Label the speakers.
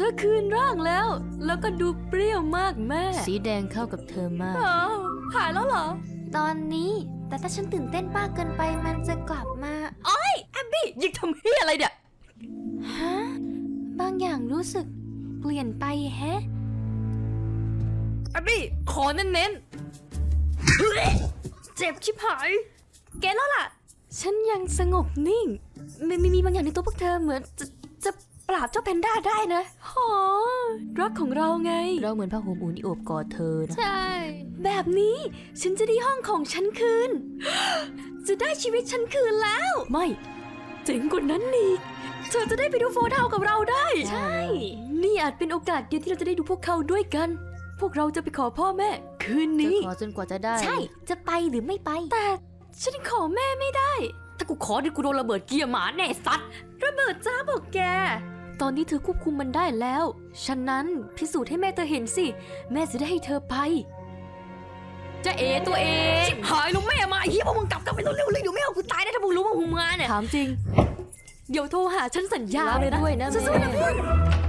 Speaker 1: อคืนร่างแล้วก็ดูเปรี้ยวมากแม่
Speaker 2: สีแดงเข้ากับเธอมาก
Speaker 1: อ้าวหายแล้วเหรอ
Speaker 3: ตอนนี้แต่ถ้าฉันตื่นเต้นมากเกินไปมันจะกลับมา
Speaker 1: แอบบี้ยิงทำเฮียอะไรเนี่ย
Speaker 3: ฮะบางอย่างรู้สึกเปลี่ยนไปแฮะ
Speaker 1: แอบบี้ขอเน้นๆเจ็บชิบหายแกแล้วล่ะ ฉันยังสงบนิ่งมีบางอย่างในตัวพวกเธอเหมือนจะปราบเจ้าแพนด้าได้นะหอรักของเราไง
Speaker 2: เราเหมือนผ้าห่มอุ่นที่โอบกอดเธอนะ
Speaker 3: ใช่
Speaker 1: แบบนี้ฉันจะได้ห้องของฉันคืน จะได้ชีวิตฉันคืนแล้ว ไม่เจ๋งกว่านั้นอีกเธอจะได้ไปดูโฟร์ทาวน์กับเราได้
Speaker 2: ใช่
Speaker 1: นี่อาจเป็นโอกาสเดียวที่เราจะได้ดูพวกเขาด้วยกัน พวกเราจะไปขอพ่อแม่ คืน
Speaker 2: จะ
Speaker 1: นี้
Speaker 2: ขอจนกว่าจะได้
Speaker 3: ใช่จะไปหรือไม่ไป
Speaker 1: แต่ฉันขอแม่ไม่ได้ ถ้ากูขอเดี๋ยวกูโดนระเบิดเกียร์หมาแน่สัตว์ระเบิดจ้าบอกแก ตอนนี้เธอควบคุมมันได้แล้ว ฉะนั้นพิสูจน์ให้แม่เธอเห็นสิ แม่จะได้ให้เธอไปจะเอตัวเองชิบหายลุงแม่มาไอ้เหี้ยพวกมึงกลับกันไปเร็วๆเลยเดี๋ยวแม่เอากูตายได้ถ้ามึงรู้ว่ามึงมาเนี่ย
Speaker 2: ถามจริง
Speaker 1: เดี๋ยวโทรหาฉันสัญญา
Speaker 2: รับ
Speaker 1: เลยนะ
Speaker 2: ด้วยนะ
Speaker 1: สู้ๆนะ
Speaker 2: แม่
Speaker 1: เพื่อน